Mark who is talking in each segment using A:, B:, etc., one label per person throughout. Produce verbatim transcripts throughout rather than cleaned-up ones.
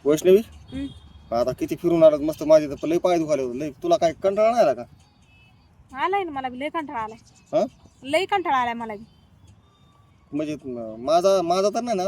A: वैष्णवी
B: हम्म.
A: आता किती फिरून आलात मस्त माझे तर लय पाय दुखाले होते लय तुला काय कंटाळा नाही आला का
B: आलाय ना मला बी लय कंटाळा आलाय
A: हा
B: लय कंटाळा आलाय मला बी
A: म्हणजे म- माझा माझा तर नाही ना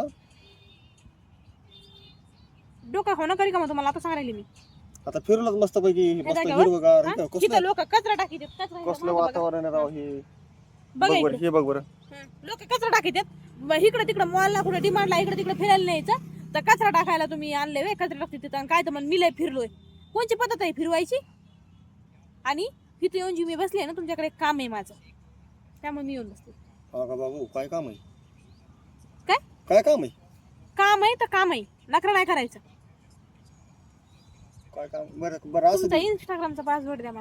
B: डोका हो ना करी का मग तुम्हाला आता सांगायला मी
A: आता फिरूनच मस्त पैकी
B: हे
A: मस्त
B: जागेवर?
A: हिरवगार
B: हा?
A: इथं
B: इथं
A: कसलं
B: लोक कचरा टाकी देत कचरा इथं
A: कसलं
B: मागं बघा.
A: वातावरण आहे राव हे
B: बघा
A: बघ बरं
B: इकडे
A: हे बघ बरं
B: लोक कचरा टाकी देत इकडे तिकडे मॉलला कुठे डिमांडला इकडे तिकडे फिरायला न्यायचं तर कचरा टाकायला तुम्ही आणले वे कचरा टाकते तिथं आणि काय तर मग मी लय फिरलोय कोणची पद्धत आहे फिरवायची आणि तिथे येऊन जी मी बसली आहे ना तुमच्याकडे एक काम आहे माझं त्यामुळे मी येऊन बसले
A: हा का बाबू काय काम आहे
B: काय
A: काय काम आहे
B: काम आहे तर काम आहे नखरा नाही करायचं
A: काय काम बरं बरं असं
B: तुमचा इंस्टाग्रामचा पासवर्ड द्या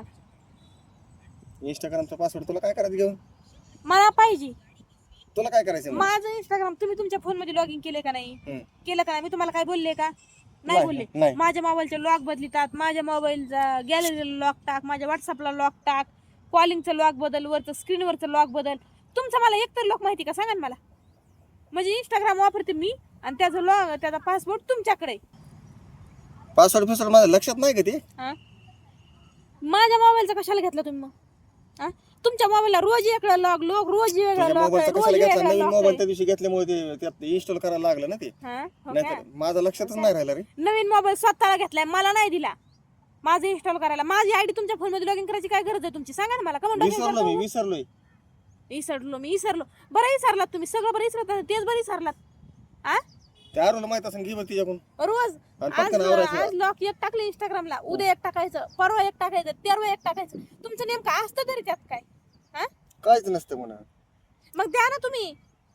B: मला
A: इंस्टाग्रामचा पासवर्ड तुला काय करायचं घेऊन
B: मला पाहिजे
A: तुला काय करायचं मग?
B: माझं इंस्टाग्राम तुम्ही तुमच्या फोन मध्ये लॉग इन केले का नाही
A: हम्म.
B: केलं का नाही मी तुम्हाला काय बोलले का नाही
A: नाही,
B: बोलले
A: नाही.
B: माझ्या मोबाईलचे लॉक बदलितात माझ्या मोबाईलचा गॅलरीला लॉक टाक माझ्या व्हॉट्सअपला लॉक टाक कॉलिंगचं लॉक बदल वरचं स्क्रीनवरचं लॉक बदल तुमचं मला एकतर लॉक माहिती का सांगा ना मला म्हणजे इंस्टाग्राम वापरते मी आणि त्याचं लॉग त्याचा पासवर्ड तुमच्याकडे
A: पासवर्ड फिसवर्ड माझ्या लक्षात नाही का ते
B: हा माझ्या मोबाईलचा कशाला घेतला तुम्ही मग हा तुमच्या मोबाईलला रोज वेगळं लॉक लॉक रोज वेगळं
A: तुझ्या
B: लॉक
A: मोबाईलचा
B: रोज
A: कशाला घेतला
B: वेगळं
A: नवीन
B: लॉक
A: मोबाईल त्या दिवशी घेतल्यामुळे ते त्यात इन्स्टॉल करायला लागलं ना ते
B: हा हो
A: नाही
B: का?
A: तर माझं लक्षातच नाही राहिलं रे
B: नवीन मोबाईल स्वतःला घेतलाय मला नाही दिला माझं इन्स्टॉल करायला माझी आयडी तुमच्या फोन मध्ये लॉग इन करायची काय गरज आहे तुमची सांगा ना मला का म्हणून
A: विसरलो मी विसरलोय
B: विसरलो मी विसरलो बरं विसरलात तुम्ही सगळं बरं विसरत तेच बरं विसरलात आ
A: त्या आरोला माहित असेल घे बघ तिच्याकडून
B: रोज
A: आणि
B: आज
A: पटकन आवरायचं.
B: आज लॉक एक टाकलं इंस्टाग्रामला उद्या एक टाकायचं परवा एक टाकायचं तेरवा एक टाकायचं तुमचं नेमकं असतं तरी त्यात काय हा
A: काहीच नसतं म्हणा
B: मग द्या ना तुम्ही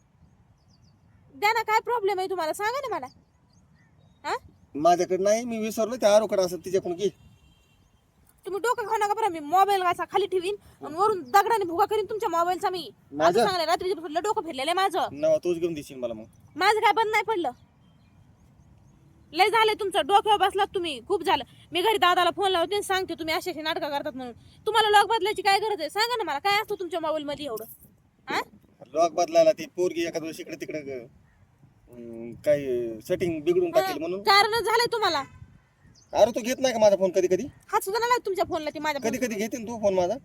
B: द्या ना काय प्रॉब्लेम आहे तुम्हाला सांगा ना मला हा
A: माझ्याकडे नाही मी विसरलो त्या आरोकडे असं तिच्याकडून घे
B: तुम्ही डोकं खाऊ नका बरं मी मोबाईल वाचा खाली ठेवीन आणि वरून दगडाने भुगा करीन तुमच्या मोबाईलचा मी
A: माझं?
B: आता सांगले रात्रीच्या डोकं फिरलेलं आहे माझं
A: नवा तूच घेऊन देशील मला मग
B: माझं काय बंद नाही पडलं लय झालंय तुमचं डोक्यावर बसलात तुम्ही खूप झालं मी घरी दादाला फोन लावते आणि सांगते तुम्ही अशी अशी नाटकं करतात म्हणून तुम्हाला लॉक बदलायची काय गरज आहे सांगा ना मला काय असतं तुमच्या मोबाईल मध्ये एवढं हा
A: लॉक बदलायला ती पोरगी एखाद दिवशी इकडे तिकडे अं, काही सेटिंग बिघडून टाकेल म्हणून
B: कारण झालंय तुम्हाला
A: अरे तू घेत नाही का माझा फोन कधी कधी
B: हात सुद्धा नाही लागत तुमच्या फोनला ती माझ्या
A: कधी
B: phone
A: कधी घेते ना तू फोन माझा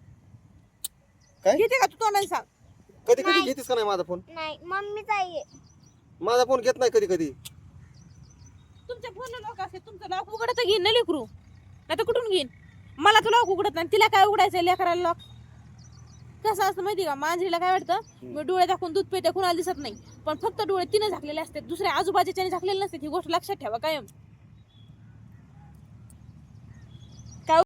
A: काय
B: घेते का तू तोंडाने सांग
A: कधी कधी घेतेस का नाही माझा फोन
C: नाही मम्मीचा आहे
A: माझा फोन घेत नाही कधी कधी
B: तुमच्या फोनला लॉक असते तुमचं लॉक उघडत घेईन ना लेकरू नाही तर कुठून घेईन मला तर लॉक उघडत नाही तिला काय उघडायचं लेकराला लॉक कसं असतं माहिती का मांजरीला काय वाटतं मी डोळे दाखवून दूध पिते कुणाला दिसत नाही पण फक्त डोळे तिने झाकलेले असतात दुसऱ्या आजूबाजूच्याने झाकलेले नसतात ही गोष्ट लक्षात ठेवा कायम